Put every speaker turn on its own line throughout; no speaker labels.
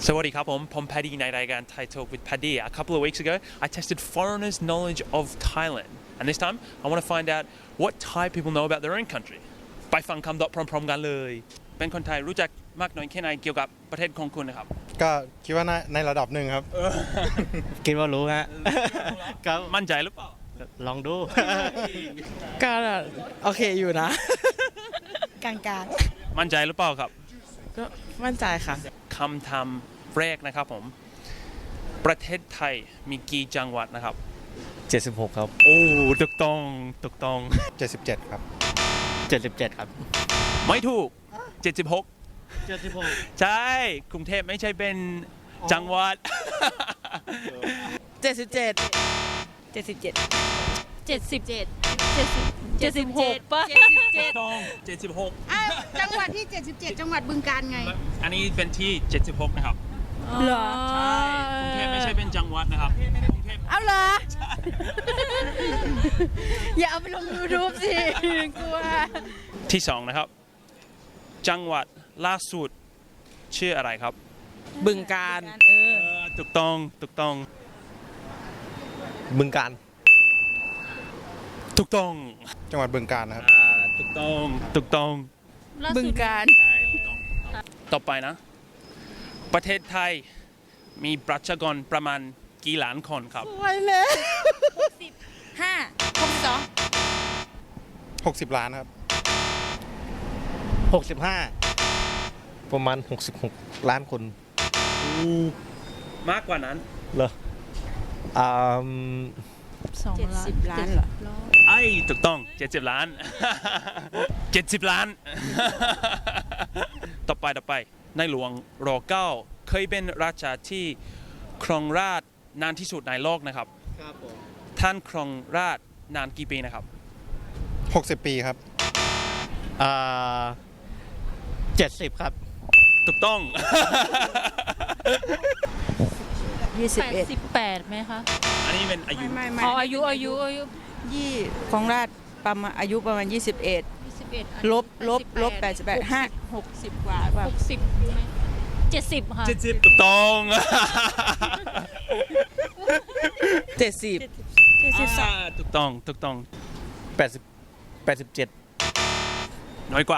SawadeeครับผมPaddy ในรายการ Thai Talk with Paddy. A couple of weeks ago, I tested foreigners' knowledge of Thailand. And this time, I want to find out what Thai people know about their own country. ไปฟังคำตอบพร้อมๆกันเลย เป็นคนไทยรู้จักมากน้อยแค่ไหนเกี่ยวกับประเทศของคุณนะครับ
ก็คิดว่าในระดับหนึ่งครับ
คิดว่ารู้ฮะ ก็
มั่นใจหรือเปล่า
ลองดู
ก็โอเคอยู่นะ
กลาง
มั่นใจหรือเปล่าครับ
ก็มั่นใจค่ะ
คำถามแรกนะครับผม ประเทศไทยมีกี่จังหวัดนะครับ
76 ครับ
โอ้ถูกต้อง
77 ครับ
77 ครับ
ไม่ถูก 76
76
ใช่ กรุงเทพไม่ใช่เป็นจังหวัด
77
77
76ป่ะ
ต้อง76
จังหวัดที่ 77 จังหวัดบึงกาฬไง
อันนี้เป็นที่ 76 นะครับ
เหรอ
ใช่กรุงเทพไม่ใช่เป็นจังหวัดนะครับกรุงเทพ
เอาเหรอ อย่าเอาไปลง YouTube สิกลัว
ที่ 2 นะครับ จังหวัดล่าสุดชื่ออะไรครับ
บึงการ
ถูกต้อง
บึงการ
ถูกต้อง
จังหวัดบึงกาฬนะครับ
ถูกต้อง
บึงกาฬ
ใช่ถูกต้องต่อไปนะ ประเทศไทยมีประชากรประมาณกี่ล้านคนครับ
ไว้แล้ว
5 62
60 ล้านครับ
65 ประมาณ 66 ล้านคน
มากกว่านั้น
เหรออ่า
70 ล้านเหรอ
ไอ้ถูกต้อง 70 ล้าน 70 ล้าน ต่อไปในหลวงร.9 เคยเป็นราชาที่ครองราชย์นานที่สุดในโลกนะครับ
ครับผม
ท่านครองราชย์นานกี่ปีนะครับ
60 ปีครับ
70 ครับ
ถูกต้อง
88ไหมคะ
อันนี้เป็นอายุ
ไม่
อ๋ออายุ
ยี่ของราชประมาณอายุประมาณ 21
21
ลบ88 5 60 กว่าว่า
60ไหม70ค่ะ
ถูกต้อง
70
ถูกต้อง
87
น้อยกว่า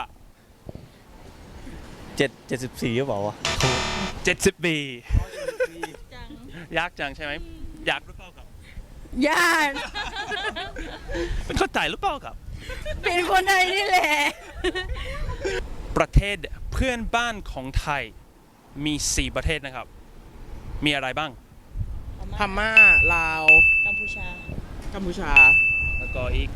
74หรือเปล่าวะ
70 ปี
จัง
ยากจังใช่ไหมอยากหรือเปล่าครับ
ญาติ
เป็นคนไทยหรือเปล่าครับ
เป็นคนไทยนี่แหละ
ประเทศเพื่อนบ้านของไทยมี 4 ประเทศนะครับ มีอะไรบ้าง
พม่า ลาว กัมพูชา
แล้วก็อีก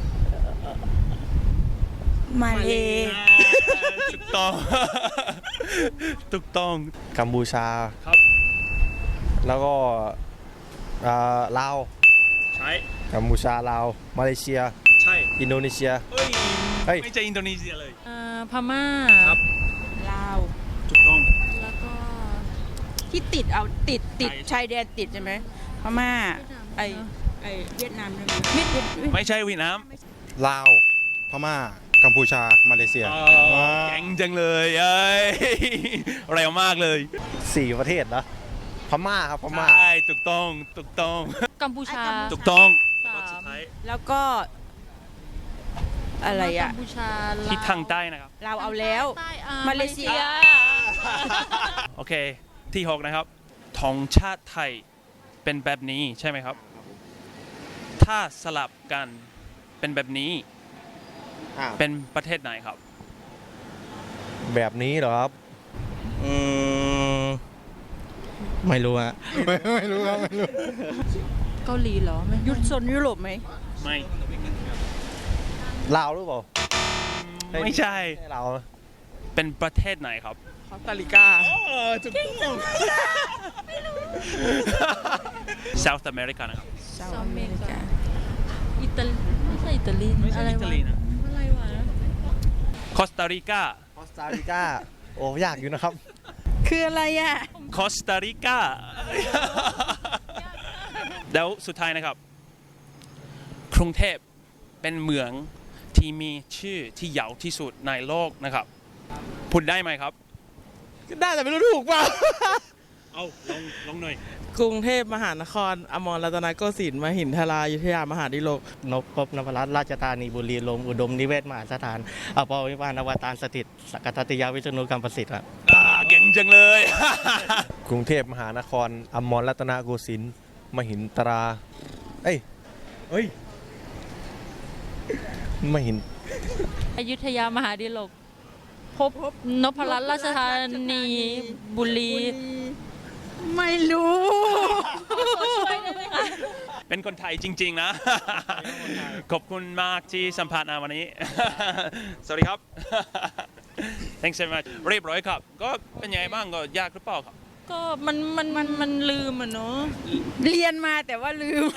มาเล
ถูกต้อง ถูกต้อง
กัมพูชา
ครับ
แล้วก็ลาว
ใช่
กัมพูชา ลาว มาเลเซีย
ใช่
อินโดนีเซีย
เฮ้ย
เฮ้ย
ไม่ใช่อินโดนีเซียเลย
พม่า
ครับ
ลาว
ถูกต้อง
แล้วก็
ที่ติด
ใช่
ชายแดนติดใช่ไหมพม่า ไอเวียดนามใช่ไหม
ไม่ใช่เวียดนาม
ลาว พม่า กัมพูชา มาเลเซีย
เก่งจังเลยเอ้ย เร็วมากเลย
4 ประเทศนะพม่าครับ พม่า
ใช่ถูกต้อง
กัมพูชา
ถูกต้อง
สาม
สุดท้าย
แล้วก็อะไร
กั
อะ
มพูชา
ที่ทางใต้นะครับ
เราเอาแล้ว
ใต้
มาเลเซีย
โอเค ที่ 6 นะครับธงชาติไทยเป็นแบบนี้ใช่ไหมครับ ถ้าสลับกันเป็นแบบนี้ เป็นประเทศไหนครับ
แบบนี้เหรอครับ ไม่รู้ฮะ
ไม่รู้ครับ ไม่รู้
เกาหลีเหรอไม่
ยุโซนยุโรปไหม
ไม่
ลาวหรือเปล่า
ไม่ใช่
ไม่ใช่ลาวนะ
เป็นประเทศไหนครับ
คอสตาริกา
ถูกต้อง South America นะครับ
เซาท์อเมริกา
อิตาลีไม่ใช่อิตาลี
ไม่ใช่
อะไร
อิ
วะ
ตาลีนะ
อะไรวะ
คอสตาริกา
คอสตาริกา โอ้ยากอยู่นะครับ
คืออะไรอะ
คอสตาริกา แล้วสุดท้ายนะครับ กรุงเทพเป็นเมืองที่มีชื่อที่ยาวที่สุดในโลกนะครับ พูดได้ไหมครับ
ได้แต่ไม่รู้ถูกเปล่า
เอาลงหน่อย
กรุงเทพมหานครอมรรัตนโกสินทร์มหินทรายุทธยามหาดิโลก
นพพบนพรัตน์ราชธานีบุรีลมย์อุดมนิเวศมหาสถานอภวิวานอวตารสถิตสักกทัตติยาวิษณุกรรมประสิทธิ์ครับ
เก่งจังเลย
กรุงเทพมหานครอมรรัตนโกสินทร์มหินตรา เอ้ยมหิน
อยุธยามหาดิลกพบนพรัตน์ราชธานีบุรี
ไม่รู้
เป็นคนไทยจริง ๆ นะ ขอบคุณมากที่สัมภาษณ์นะวันนี้ สวัสดีครับ thanks so much เรียบร้อยครับ ก็เป็นยังไงบ้างก็ยากหรือเปล่าครับ
ก็มันลืมอ่ะเนาะ
เรียนมาแต่ว่าลืม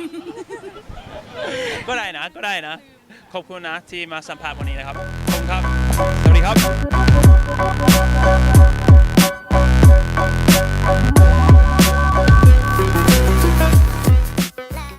ก็ได้นะ ขอบคุณนะที่มาสัมภาษณ์วันนี้นะครับ ขอบคุณครับ สวัสดีครับ